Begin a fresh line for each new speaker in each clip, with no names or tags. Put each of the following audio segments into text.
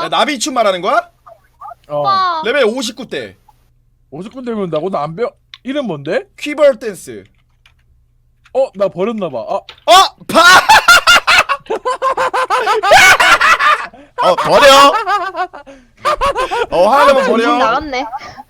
야, 나비춤 말하는 거야?
오빠.
레벨 59대
50분 되면 나고 나 안 배워. 이름 뭔데?
퀴버 댄스.
나 버렸나봐.
파! 버려. 하나만
정신
버려.
나갔네.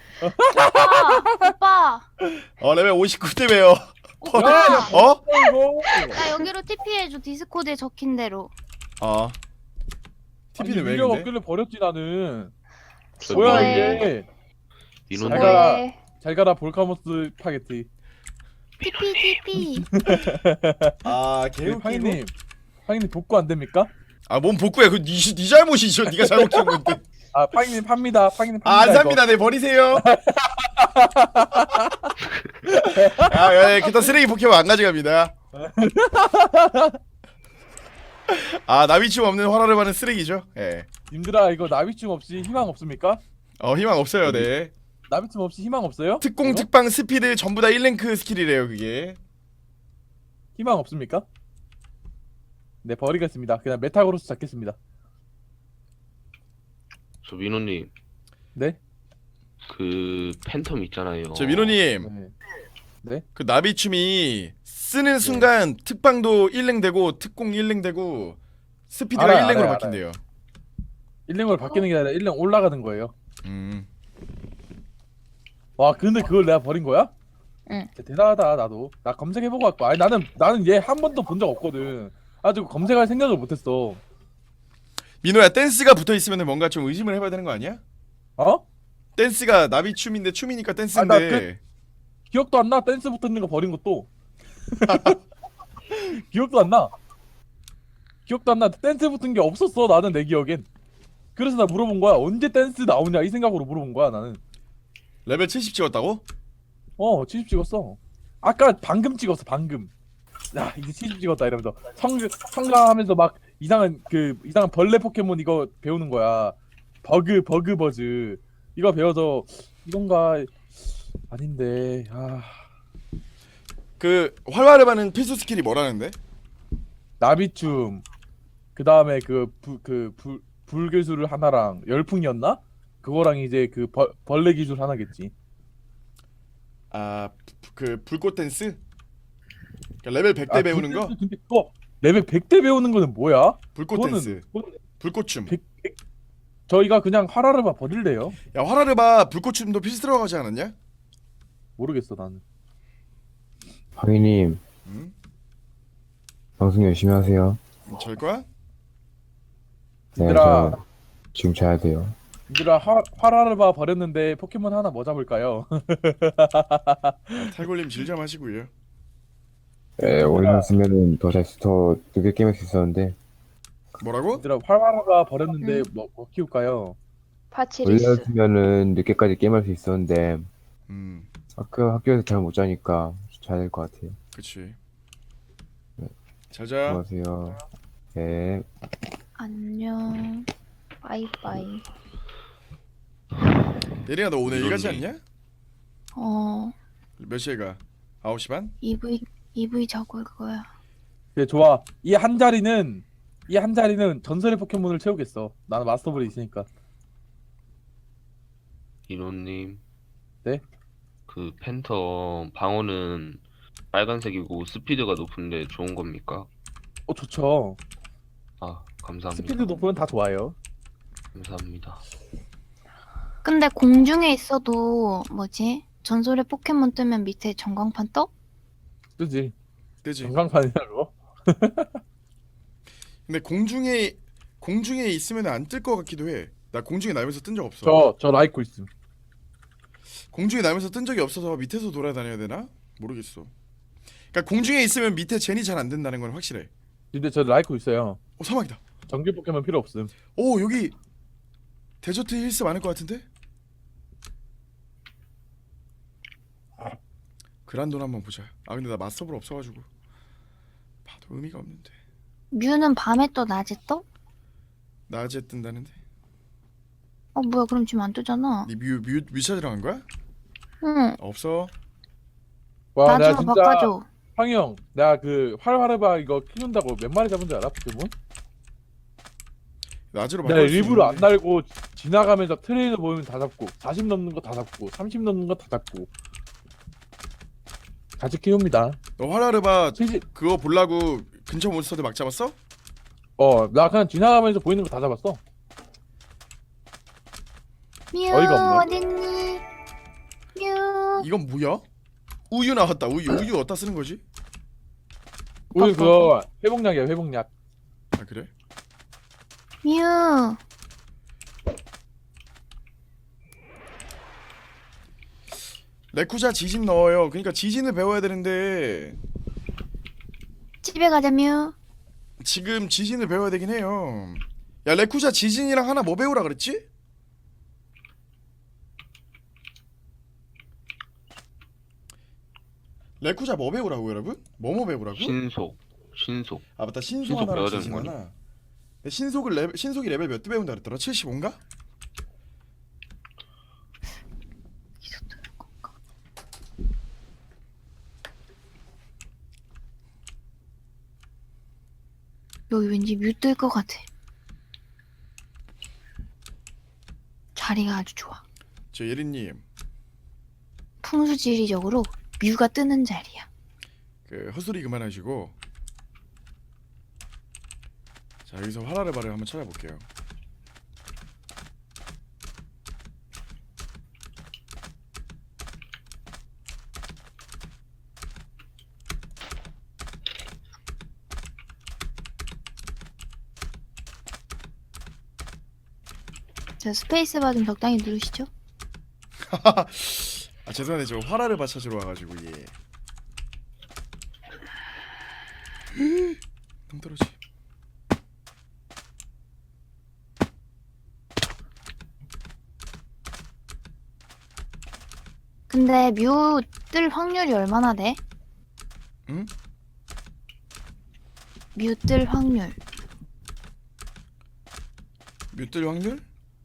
오빠.
레벨 59대 왜요?
오빠.
이거.
나 여기로 TP 해줘. 디스코드에 적힌 대로.
TP는 왜
미력
근데?
없길래 버렸지 나는.
저
뭐야
왜?
이게?
민호님
잘 가라.
뭐해?
잘 가라 볼카모스 파게티.
TP.
개웃기고.
팡이님 복구 안 됩니까?
뭔 복구야? 네 잘못이죠. 네가 잘못 키운 건데.
팡이님 팝니다. 팡이님 팝니다.
안 삽니다. 네, 버리세요. 그딴 쓰레기 포켓몬 안 가져갑니다. 나비춤 없는 화라를 받는 쓰레기죠. 예.
님들아 이거 나비춤 없이 희망 없습니까?
희망 없어요. 네.
나비춤 없이 희망 없어요?
특공,
이거?
특방, 스피드 전부 다 1랭크 스킬이래요, 그게.
희망 없습니까? 네 버리겠습니다. 그냥 메타그로스 잡겠습니다.
저 민호님
네?
그 팬텀 있잖아요.
저 민호님,
네.
그 나비춤이 쓰는 순간 특방도 1랭 되고 특공 1랭 되고 스피드가
알아요,
1랭으로
알아요,
바뀐대요.
1랭으로 바뀌는 게 아니라 1랭 올라가는 거예요.
음.
와 근데 그걸 내가 버린 거야?
응.
진짜 대단하다. 나도 나 검색해보고 왔고. 아니 나는 얘 한 번도 본 적 없거든. 아직 검색할 생각을 못했어.
민호야, 댄스가 붙어 있으면 뭔가 좀 의심을 해봐야 되는 거 아니야?
어?
댄스가 나비춤인데 춤이니까 댄스인데.
기억도 안 나. 댄스 붙어있는 거 버린 것도. 기억도 안 나. 기억도 안 나. 댄스 붙은 게 없었어. 나는 내 기억엔. 그래서 나 물어본 거야. 언제 댄스 나오냐 이 생각으로 물어본 거야 나는.
레벨 70 찍었다고?
70 찍었어. 아까 방금 찍었어. 방금. 야 이제 70 찍었다 이러면서 성가하면서 막 이상한 벌레 포켓몬 이거 배우는 거야. 버즈 이거 배워서 이건가 아닌데.
그 활활을 받는 필수 스킬이 뭐라는데?
나비춤 그 다음에 불기술 하나랑 열풍이었나? 그거랑 이제 벌레 기술 하나겠지.
그 불꽃 댄스? 그러니까 레벨 100대 배우는 거?
근데 그거 레벨 100대 배우는 거는 뭐야?
불꽃 댄스. 불꽃춤.
저희가 그냥 하라르바 버릴래요.
야, 화라르바 불꽃춤도 필수 들어가지 않았냐?
모르겠어 나는.
황희님
응?
방송 열심히 하세요.
절 거야?
네,
얘들아.
저 지금 자야 돼요.
얘들아 하라르바 버렸는데 포켓몬 하나 뭐 잡을까요?
탈골님 질 좀 하시고요.
네, 올렸으면은 더 늦게 게임할 수 있었는데
뭐라고?
얘들아 하라르바 버렸는데 뭐 키울까요?
파치리스.
올렸으면은 늦게까지 게임할 수 있었는데
음,
학교에서 잘 못 자니까 자야 될 것 같아요.
그치.
네.
자자.
수고하세요. 네.
안녕. 바이바이.
예린아, 너 오늘 일 가지
민호님.
않냐? 몇 시에 가? 9시 반?
EV 자고 올 거야.
그래 좋아. 이 한 자리는 전설의 포켓몬을 채우겠어. 나는 마스터볼이 있으니까.
민호님.
네?
그 팬텀 방어는 빨간색이고 스피드가 높은데 좋은 겁니까?
좋죠.
감사합니다.
스피드 높으면 다 좋아요.
감사합니다.
근데 공중에 있어도 뭐지? 전설의 포켓몬 뜨면 밑에 전광판 떠?
그지?
뜨지.
전광판이라고?
근데 공중에 있으면 안 뜰 것 같기도 해. 나 공중에 날면서 뜬 적 없어.
저 라이코 있음.
공중에 날면서 뜬 적이 없어서 밑에서 돌아다녀야 되나? 모르겠어. 그러니까 공중에 있으면 밑에 젠이 잘 안 된다는 건 확실해.
근데 저 라이코 있어요.
사막이다.
정규 포켓몬 필요 없음.
여기 데저트 힐스 많을 것 같은데? 그란돈 한번 보자. 근데 나 마스터볼 없어가지고 봐도 의미가 없는데.
뮤는 밤에 떠 낮에 떠?
낮에 뜬다는데?
뭐야 그럼 지금 안 뜨잖아.
니 뮤 찾으러 간 거야?
응.
없어.
와
나
내가
좀
진짜
바꿔줘.
황희 형, 내가 활활해봐 이거 키운다고 몇 마리 잡은 줄 알아 포켓몬?
낮으로
내가
바꿀 수
일부러 안
있는데.
날고 지나가면서 트레이너 보이면 다 잡고 40 넘는 거 다 잡고 30 넘는 거 다 잡고 같이 키웁니다.
너 화라르바
70.
그거 보려고 근처 몬스터들 막 잡았어?
나 그냥 지나가면서 보이는 거 다 잡았어.
뮤
어이가 없네.
어딨니? 뮤.
이건 뭐야? 우유 나왔다. 우유 어디다 쓰는 거지?
우리 그거 회복약이야 회복약.
아 그래?
뮤.
레쿠자 지진 넣어요. 그러니까 지진을 배워야 되는데
집에 가자 뮤.
지금 지진을 배워야 되긴 해요. 야 레쿠자 지진이랑 하나 뭐 배우라 그랬지? 레쿠자 뭐 배우라고 여러분? 뭐 배우라고?
신속.
아 맞다 신속
신속
하나랑
배워야 되는
지진
거니?
하나. 근데 신속이 레벨 몇 대 배운다 그랬더라? 75인가?
여기 왠지 뮤 뜰 것 같아. 자리가 아주 좋아.
저 예린님
풍수지리적으로 뮤가 뜨는 자리야.
그 헛소리 그만하시고 자 여기서 화라르바를 한번 찾아볼게요.
저 스페이스바 좀 적당히 누르시죠.
아 죄송한데 저 화라르바 찾으러 와가지고 예. 동떨어지.
근데 뮤 뜰 확률이 얼마나 돼?
응?
뮤 뜰 확률.
뮤뜰 확률?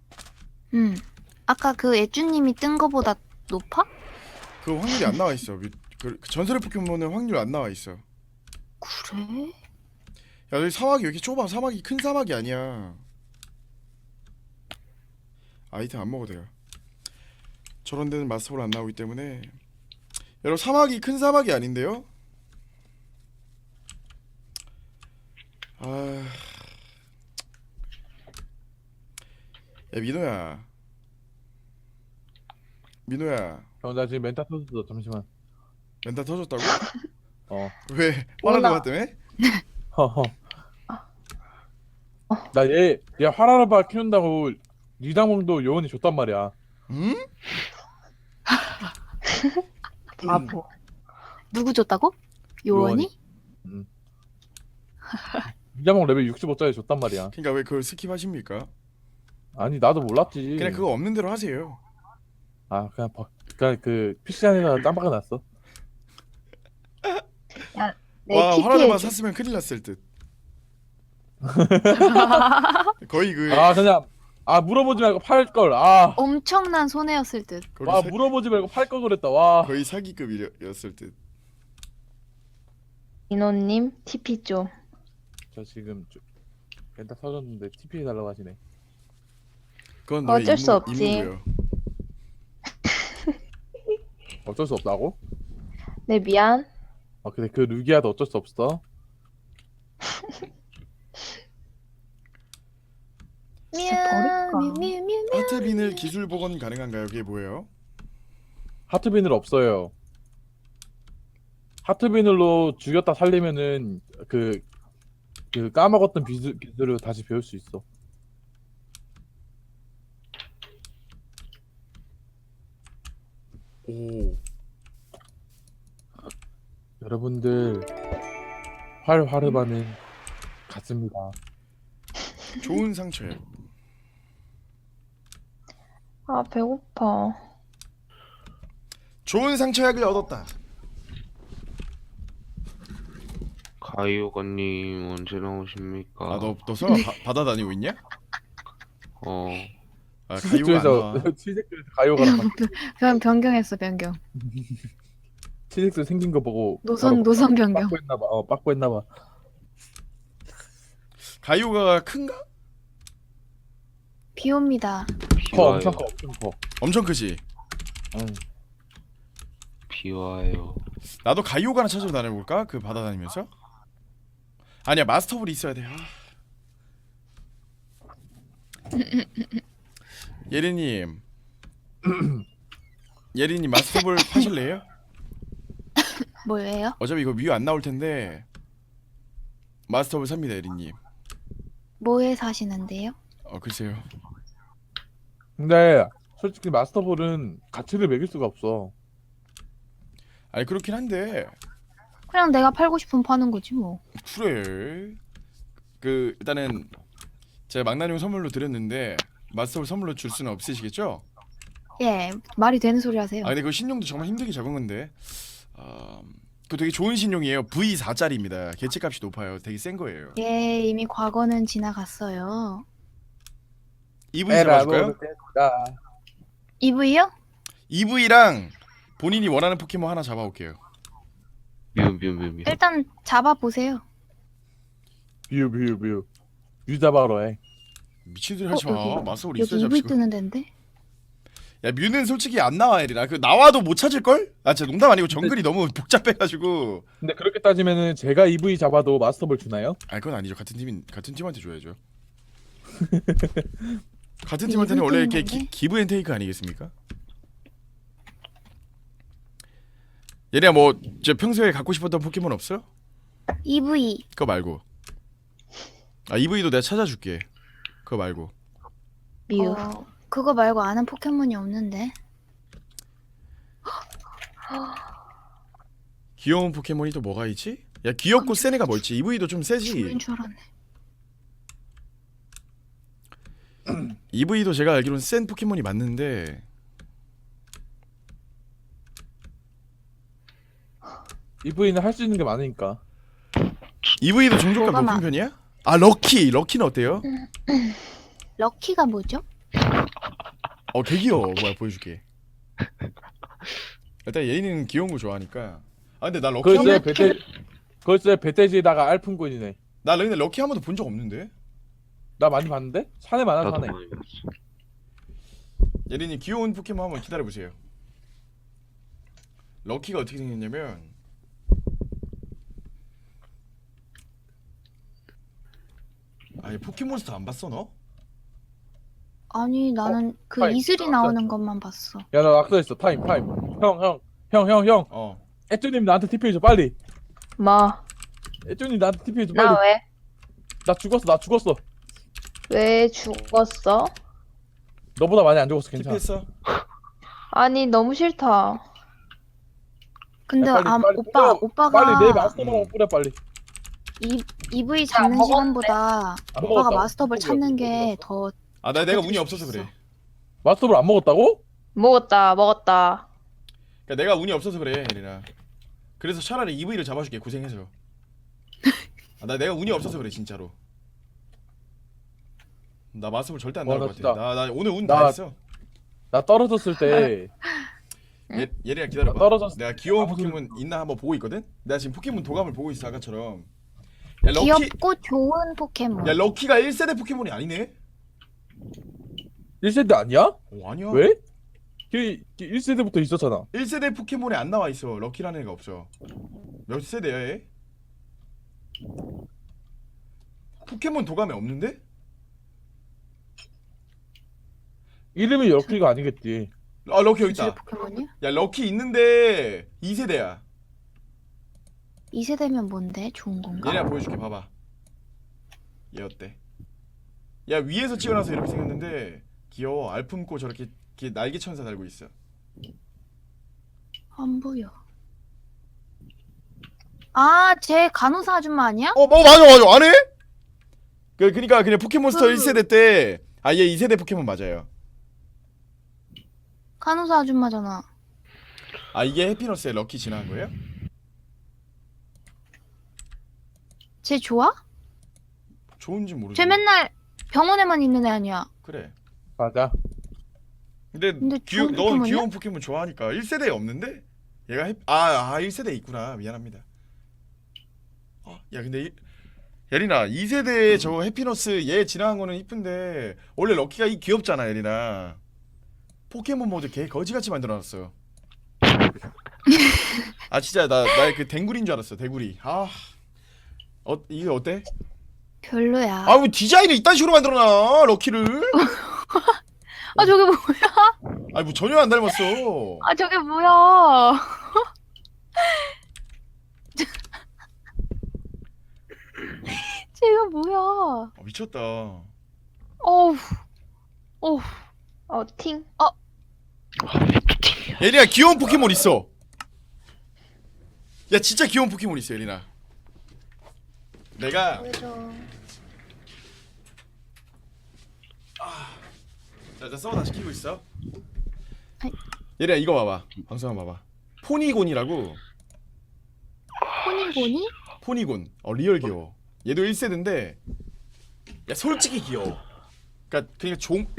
아까 그 애쭈님이 뜬 거보다 높아?
그 확률이 안 나와 있어. 그 전설의 포켓몬은 확률 안 나와 있어.
그래?
야 여기 사막이 왜 이렇게 좁아? 사막이 큰 사막이 아니야. 아이템 안 먹어도 돼요. 저런 데는 마스터볼 안 나오기 때문에. 여러분 사막이 큰 사막이 아닌데요? 아, 야 민호야
나 지금 멘탈 터졌어. 잠시만.
멘탈 터졌다고?
어.
왜? 화나는 때문에?
허허. 나얘 화라르바 키운다고 리당몽도 요원이 줬단 말이야.
응?
바보. 누구 줬다고? 요원이?
리당몽 레벨 65짜리 줬단 말이야.
그러니까 왜 그걸 스킵하십니까?
아니 나도 몰랐지.
그냥 그거 없는 대로 하세요.
아 그냥 그 PC방에다 깜빡이 났어.
와
TP
화라르바
해줘.
샀으면 큰일 났을 듯. 거의 그
그냥 물어보지 말고 팔 걸.
엄청난 손해였을 듯.
거의, 사,
물어보지 말고 팔 걸 그랬다. 와.
거의 사기급이었을 듯.
인호님 TP 좀.
저 지금 멘탈 터졌는데 TP 해달라고 하시네.
그건 너의
어쩔 수 없지.
임무고요.
어쩔 수 없다고?
네 미안.
근데 그 루기아도 어쩔 수 없어.
버릴까?
뮤.
하트빈을 기술 복원 가능한가요? 그게 뭐예요?
하트비늘 없어요. 하트비늘로 죽였다 살리면은 그 까먹었던 기술을 다시 배울 수 있어.
오.
여러분들 활화르바는 같습니다.
좋은 상처예요.
아 배고파.
좋은 상처약을 얻었다.
가이오가님 언제 나오십니까?
아 너 설마 바다 다니고 있냐?
어,
아 가이오가 안
치즈에서
나와.
치즈에서 가요가랑
그냥 변경했어 변경.
치즈엑스 생긴 거 보고
노선 변경.
빠꾸했나봐.
가이오가 큰가?
비 옵니다.
커
비와요.
엄청 커 엄청 커.
엄청 크지.
응.
비와요.
나도 가이오가나 찾으러 다녀볼까? 그 바다 다니면서? 아니야 마스터볼이 있어야 돼. 예리님 예리님 마스터볼 파실래요?
뭐예요?
어차피 이거 뮤 안 나올 텐데 마스터볼 삽니다 예리님.
뭐에 사시는데요?
글쎄요.
근데 솔직히 마스터볼은 가치를 매길 수가 없어.
아니 그렇긴 한데
그냥 내가 팔고 싶으면 파는 거지 뭐.
그래. 그 일단은 제가 망나뇽 선물로 드렸는데 마스터볼 선물로 줄 수는 없으시겠죠?
예, 말이 되는 소리 하세요.
아 근데 그 신용도 정말 힘들게 적은 건데 그 되게 좋은 신용이에요. V4짜리입니다. 개체값이 높아요. 되게 센 거예요.
예, 이미 과거는 지나갔어요.
EV 잡아줄까요?
EV요?
EV랑 본인이 원하는 포켓몬 하나 잡아올게요.
뮤.
일단 잡아보세요.
뷰 유자바로 해.
미친 소리 하지 마.
여기,
마스터볼
여기
있어야
EV
잡지고.
뜨는 데인데?
야 뮤는 솔직히 안 나와 에리나. 그 나와도 못 찾을 걸? 아 진짜 농담 아니고 정글이 너무 복잡해가지고.
근데 그렇게 따지면은 제가 EV 잡아도 마스터볼 주나요?
아 그건 아니죠. 같은 팀한테 줘야죠. 같은 팀한테는 원래 이렇게
뜨는 건데?
기브 앤 테이크 아니겠습니까? 얘네야 뭐 저 평소에 갖고 싶었던 포켓몬 없어요?
EV.
그거 말고. 아 EV도 내가 찾아줄게. 그거 말고.
뮤.
그거 말고 아는 포켓몬이 없는데.
귀여운 포켓몬이 또 뭐가 있지? 야 귀엽고 센 애가 뭐 있지? EV도 좀 세지.
죽는 줄 알았네.
EV도 제가 알기로는 센 포켓몬이 맞는데
EV는 할 수 있는 게 많으니까.
EV도 종족값
뭐가
높은 편이야? 아 럭키는 어때요?
럭키가 뭐죠?
개 귀여워. 뭐야 보여줄게. 일단 예인이는 귀여운 거 좋아하니까. 아 근데 나 럭키
글쎄 배돼지에다가 알품꾼이네.
나 근데 럭키 한 번도 본 적 없는데.
나 많이 봤는데? 산에 많아
나도
산에.
많이 봤어.
예린이 귀여운 포켓몬 한번 기다려보세요. 럭키가 어떻게 생겼냐면 아니 포켓몬스터 안 봤어 너?
아니 나는 그
타임.
이슬이 나오는 것만 봤어.
야 나 낙서했어. 타임. 형. 애쭈님 나한테 TP 해줘 빨리.
뭐?
애쭈님 나한테 TP 해줘 빨리.
나 왜?
나 죽었어.
왜 죽었어?
너보다 많이 안 죽었어. 괜찮아.
TP했어?
아니, 너무 싫다.
근데
야, 빨리
오빠가
빨리 내 마스터볼 뿌려 빨리.
EV 잡는
먹었는데?
시간보다
안
오빠가
먹었다고.
마스터볼 찾는 게 더
아 내가 운이 없어서 그래.
마스터볼 안 먹었다고?
먹었다.
그러니까 내가 운이 없어서 그래 예린아. 그래서 차라리 EV를 잡아줄게 고생해서. 내가 운이 없어서 그래 진짜로. 나 마스터볼 절대 안
와,
나올
나
것 같아.
진짜-
나 오늘 운
나-
다 했어.
나 떨어졌을 때
예린아 기다려봐.
떨어졌어.
내가 귀여운
아무 소리-
포켓몬 있나 한번 보고 있거든. 내가 지금 포켓몬 도감을 보고 있어 아까처럼. 야 럭키
귀엽고 좋은 포켓몬.
야 럭키가 1세대 포켓몬이 아니네?
1세대 아니야?
아니야.
왜? 걔 1세대부터 있었잖아.
1세대 포켓몬에 안 나와 있어. 럭키라는 애가 없어. 몇 세대야 얘? 포켓몬 도감에 없는데?
이름이 럭키가 아니겠지.
아 럭키 여기
이슬의
있다.
포켓몬이야?
야 럭키 있는데 2세대야.
2세대면 뭔데? 좋은 건가?
얘네가 보여줄게 봐봐. 얘 어때? 야 위에서 찍어놔서 이렇게 생겼는데 귀여워. 알품고 저렇게 날개 천사 달고 있어.
안 보여. 아, 쟤 간호사 아줌마 아니야?
맞아 안 해? 그니까 그냥 포켓몬스터
그-
1세대 때 얘 2세대 포켓몬 맞아요.
간호사 아줌마잖아.
이게 해피너스의 럭키 지나간 거예요?
쟤 좋아?
좋은지 모르겠어.
쟤 맨날 병원에만 있는 애 아니야?
그래.
맞아.
근데
좋은
넌
포켓몬이야?
귀여운 포켓몬 좋아하니까 1세대에 없는데? 얘가 1세대에 있구나. 미안합니다. 야 근데 예린아 2세대 저 해피너스 얘 지나간 거는 이쁜데 원래 럭키가 이 귀엽잖아 예린아. 포켓몬 모드 개 거지같이 만들어놨어요. 아 진짜 나의 그 댕구리인 줄 알았어. 대구리. 이게 어때?
별로야.
아 왜 디자인을 이딴 식으로 만들어놔 럭키를?
아 저게 뭐야?
아니 뭐 전혀 안 닮았어.
아 저게 뭐야? 쟤가 뭐야?
미쳤다.
어우, 어우.
팅.
예린아 귀여운 포켓몬 있어. 야 진짜 귀여운 포켓몬 있어 예린아. 내가
보여줘.
자 서버 다시 키고 있어.
아이.
예린아 이거 봐봐. 방송 한번 봐봐. 포니곤이라고.
포니고니?
포니곤. 리얼 귀여워. 얘도 1세대인데 야 솔직히 귀여워. 그러니까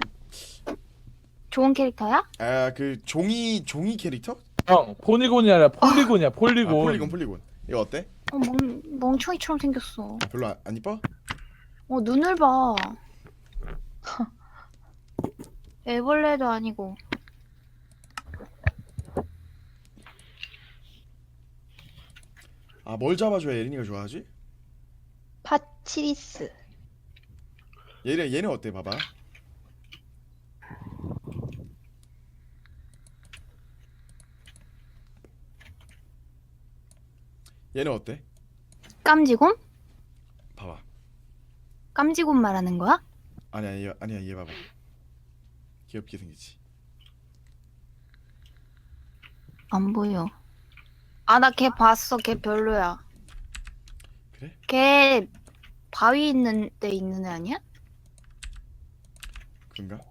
좋은 캐릭터야?
그 종이 캐릭터?
형 포니곤이 아니라 폴리곤이야 폴리곤.
폴리곤. 이거 어때?
멍청이처럼 생겼어.
별로 안 이뻐?
눈을 봐. 애벌레도 아니고.
뭘 잡아줘야 예린이가 좋아하지?
파치리스.
얘는 어때? 봐봐. 얘는 어때?
깜지곰?
봐봐.
깜지곰 말하는 거야?
아니야 얘 봐봐. 귀엽게 생겼지.
안 보여. 나 걔 봤어. 걔 별로야.
그래?
걔 바위 있는 데 있는 애 아니야?
그런가?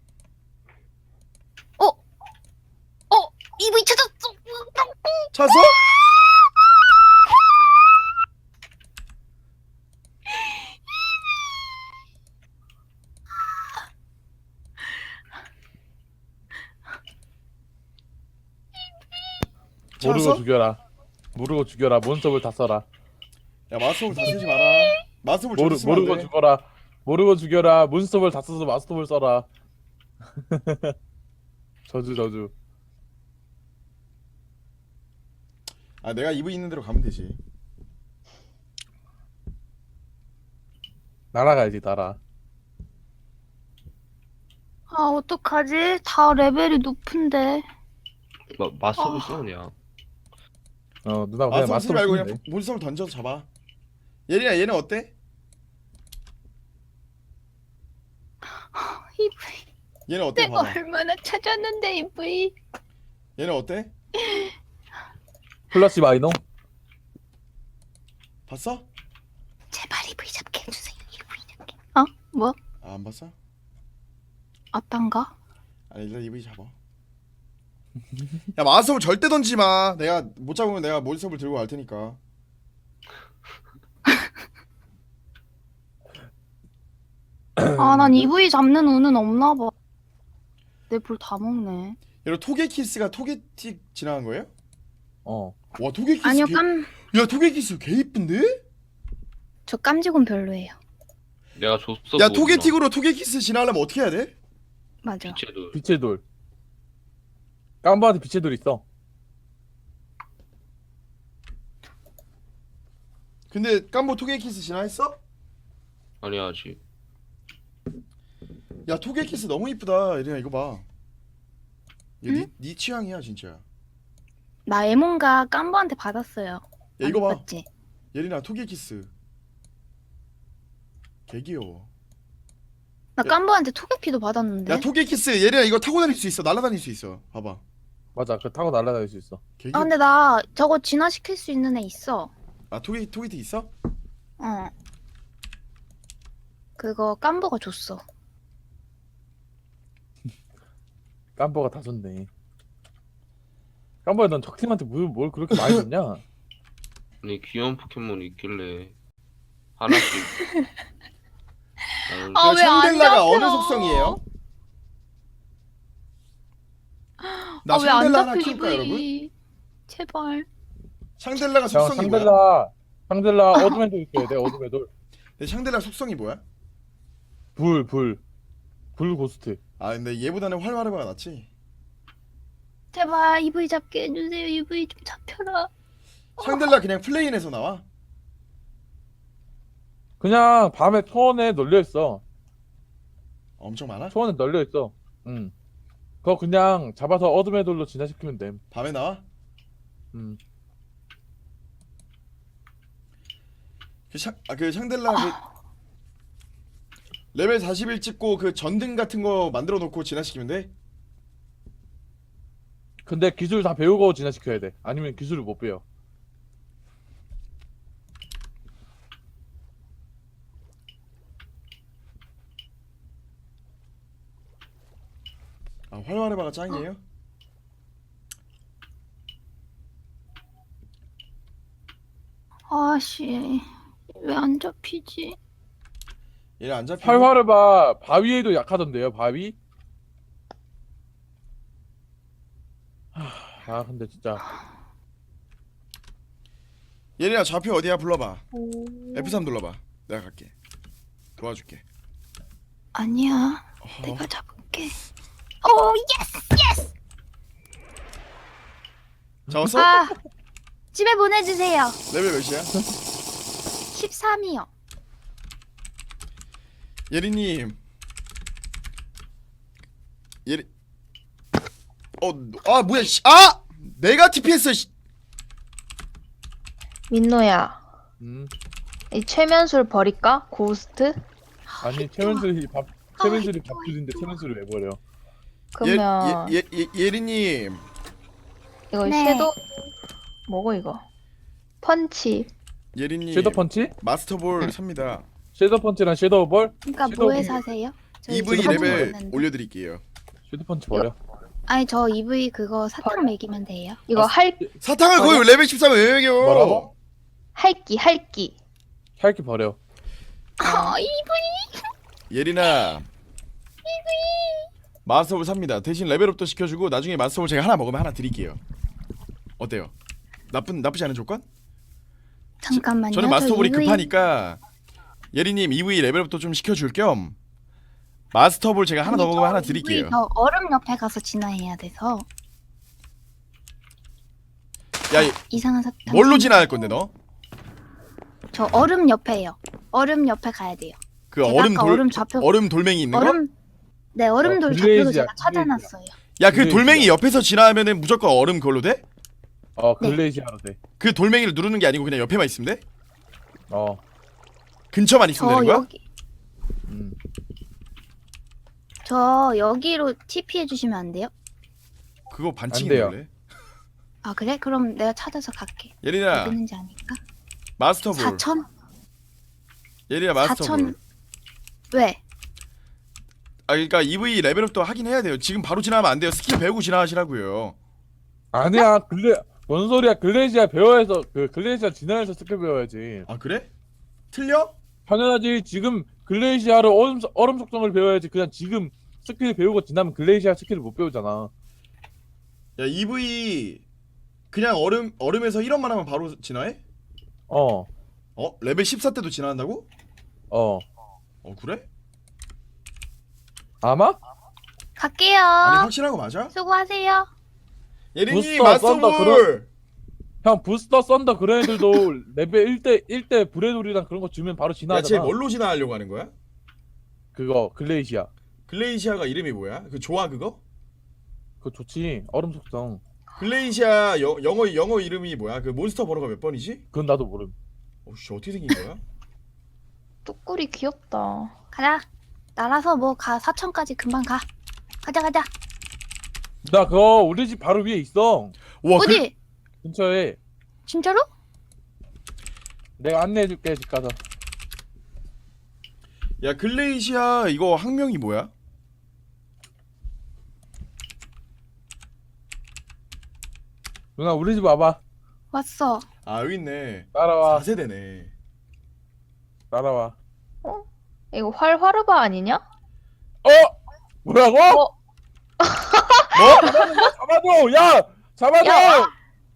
이브이 찾았어.
찾았어?
모르고
찾았어?
죽여라. 모르고 죽여라. 몬스터볼 다 써라.
야 마스터볼 다 쓰지 마라. 마스터볼 절대 쓰면 안
모르고
돼.
죽어라. 모르고 죽여라. 몬스터볼 다 써서 마스터볼 써라. 저주.
내가 이브 있는 대로 가면 되지.
날아가야지 날아.
어떡하지? 다 레벨이 높은데.
마스터볼 써 그냥.
누나 그냥
마스터볼 쓰지
마스터볼
말고
쓰면
그냥
돼.
몬스터볼 던져서 잡아. 예린아 얘는 어때?
이브이.
얘는 어때?
내가
봐봐.
얼마나 찾았는데 이브이.
얘는 어때?
플러시 마이노?
봤어?
제발 이브이 잡게 해주세요. 이브이 잡게. 뭐?
안 봤어?
어떤가?
아니 일단 이브 잡아. 야 마스터볼 절대 던지지 마. 내가 못 잡으면 내가 몬스터볼 들고 갈 테니까.
난 이브이 잡는 운은 없나 봐. 내 볼 다 먹네.
여러분 토게키스가 토게틱 지나간 거예요?
어.
와 토게키스
아니요,
야 토게키스 개 이쁜데?
저 깜지곰 별로예요.
내가 줬어.
야
그거
토게틱으로 토게키스 지나려면 어떻게 해야 돼?
맞아.
빛의 돌.
빛의 돌. 깜바한테 빛의 돌 있어.
근데 깜보 토게키스 지나했어?
아니야 아직.
야 토게키스 너무 이쁘다. 예린아 이거 봐. 이거
응?
네 취향이야 진짜.
나 에몬가 깜보한테 받았어요.
야 이거 봐.
맞지?
예린아 토게키스. 개 귀여워.
나 깜보한테 토게피도 받았는데.
야 토게키스 예린아 이거 타고 다닐 수 있어. 날아다닐 수 있어. 봐봐.
맞아. 그 타고 날아다닐 수 있어.
개 귀여워.
근데 나 저거 진화시킬 수 있는 애 있어.
토게틱 있어?
그거 깜보가 줬어.
깜바가 다 줬네. 깜바야 넌 적팀한테 뭘 그렇게 많이 줬냐?
아니 귀여운 포켓몬이 있길래 하나씩. 나는
아, 왜안
샹델라가
잡혀?
어느 속성이에요? 나
왜 안
샹델라 하나
잡혀
키울까 여러분?
이브이? 제발.
샹델라가
형
속성이 뭐야?
샹델라 어둠의 돌 있어야 돼. 어둠의 돌.
근데 샹델라 속성이 뭐야?
불 고스트.
아 근데 얘보다는 활활해봐가 낫지.
제발 EV 잡게 해주세요. EV 좀 잡혀라.
샹델라 그냥 플레인에서 나와?
그냥 밤에 초원에 널려 있어.
엄청 많아?
초원에 널려 있어. 응. 그거 그냥 잡아서 어둠의 돌로 진화시키면 됨.
밤에 나와?
음.
그 샹델라 그 레벨 41 찍고 그 전등 같은 거 만들어 놓고 진화시키면 돼?
근데 기술 다 배우고 진화시켜야 돼. 아니면 기술을 못 배워.
아 활활해봐가 짱이에요?
아씨, 왜 안 잡히지?
얘네 안 잡히고?
활활해봐 바위에도 약하던데요. 바위? 아 근데 진짜
얘네야 좌표 어디야? 불러봐.
오.
F3 눌러봐. 내가 갈게. 도와줄게.
아니야,
어허.
내가 잡을게. 오 예스!
잡았어?
아, 집에 보내주세요.
레벨 몇이야?
13이요.
예리님. 예리. 아 뭐야? 씨. 아! 내가 TPS. 씨.
민노야, 이 최면술 버릴까? 고스트?
아니 최면술이 최면술이 밥줄인데 최면술을 왜 버려?
그러면
예리님.
이거
네.
섀도우 뭐고 이거? 펀치.
예리님.
섀도우 펀치?
마스터볼 삽니다.
섀도우 펀치랑 섀도우 볼?
그러니까
섀도우
뭐에
빈-
사세요? 저희
EV
지금
레벨
모르겠는데.
올려드릴게요.
섀도우 펀치 버려.
아니 저 EV 그거 사탕 먹이면 돼요.
이거
아,
사탕을 거의 레벨 13에 왜 매겨?
뭐라고?
할기.
할기 버려.
아 EV
예린아. 마스터볼 삽니다. 대신 레벨업도 시켜주고 나중에 마스터볼 제가 하나 먹으면 하나 드릴게요. 어때요? 나쁘지 않은 조건?
잠깐만요.
저는 마스터볼이
저 EV
급하니까 예리님 EV 레벨업도 좀 시켜줄 겸 마스터볼 제가 하나 더
아니,
먹으면
저
하나
EV
드릴게요.
저 얼음 옆에 가서 진화해야 돼서
야,
이상한 사탕.
뭘로 진화할 건데 너?
저 얼음 옆에요. 얼음 옆에 가야 돼요.
그
제가
얼음
아까
돌
얼음 좌표
얼음 돌멩이 있는 거?
얼음 네 얼음돌 좌표도
글레이즈야,
제가 찾아놨어요.
야, 그
글레이즈야.
돌멩이 옆에서 진화하면은 무조건 얼음 그걸로 돼?
네.
글레이시아로 돼.
그 돌멩이를 누르는 게 아니고 그냥 옆에만 있으면 돼?
어.
근처만 있으면
저
되는 거야?
여기
음.
저 여기로 TP 해주시면 안 돼요?
그거
안
반칙인데
돼요.
원래.
아 그래? 그럼 내가 찾아서 갈게.
예린아,
어디 있는지 아니까.
마스터볼.
4천?
예린아, 마스터볼.
4천 왜?
아, 그러니까 EV 레벨업도 하긴 해야 돼요. 지금 바로 진화하면 안 돼요. 스킬 배우고 진화하시라고요.
아니야 뭔 소리야? 글레이시아 배워야서 그 글레이시아 진화해서 스킬 배워야지.
아, 그래? 틀려?
당연하지. 지금 글레이시아로 얼음 속성을 배워야지. 그냥 지금 스킬 배우고 지나면 글레이시아 스킬을 못 배우잖아.
야, EV 그냥 얼음에서 1원만 하면 바로 진화해?
어.
레벨 14 때도 진화한다고?
어.
그래?
아마?
갈게요.
아니 확실한 거 맞아?
수고하세요.
예린이
부스터, 썬더,
마스터볼.
형 부스터 썬더 그런 애들도 레벨 1대 브레돌이랑 그런 거 주면 바로
야, 쟤
진화하잖아.
뭘로 진화하려고 하는 거야?
그거 글레이시아.
글레이시아가 이름이 뭐야? 그 좋아 그거?
그거 좋지. 얼음 속성.
글레이시아 영어 이름이 뭐야? 그 몬스터 번호가 몇 번이지?
그건 나도 모름.
씨 어떻게 생긴 거야?
뚜꾸리 귀엽다.
가자. 날아서 뭐 가 4천까지 금방 가. 가자.
나 그거 우리 집 바로 위에 있어.
와,
어디?
근처에.
진짜로?
내가 안내해줄게 집 가서.
야, 글레이시아 이거 학명이 뭐야?
누나 우리 집 와봐.
왔어.
아, 여기 있네.
따라와.
4세대네.
따라와.
이거 활화르바 아니냐?
뭐라고?
어?
잡아줘. 야 잡아줘.
야!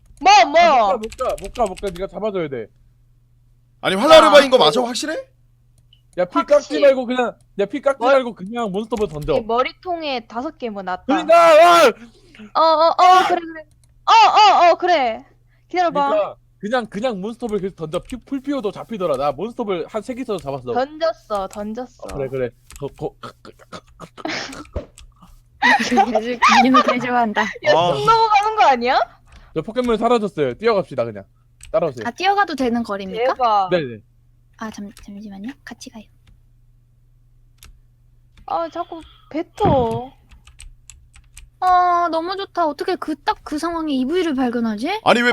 뭐?
못 가. 네가 잡아줘야 돼.
아니, 활라르바인 거 맞아? 확실해?
야 피
확실.
깎지 말고 그냥 야 피 깎지
뭘?
말고 그냥 몬스터볼 던져.
이 머리통에 5개 놨다.
그러니까 와!
그래 그래. 그래. 기다려봐.
그러니까 그냥 몬스터볼 계속 던져. 풀피오도 잡히더라. 나 몬스터볼 한 3개 써서 잡았어.
던졌어.
그래.
김민호 개 좋아한다.
야,
아.
숨 넘어가는 거 아니야?
저 포켓몬 사라졌어요. 뛰어갑시다 그냥. 따라오세요.
아 뛰어가도 되는 거리입니까?
대박.
네네.
아 잠시만요. 같이 가요.
아, 자꾸 뱉어.
아 너무 좋다. 어떻게 딱 그 상황에 EV를 발견하지?
아니 왜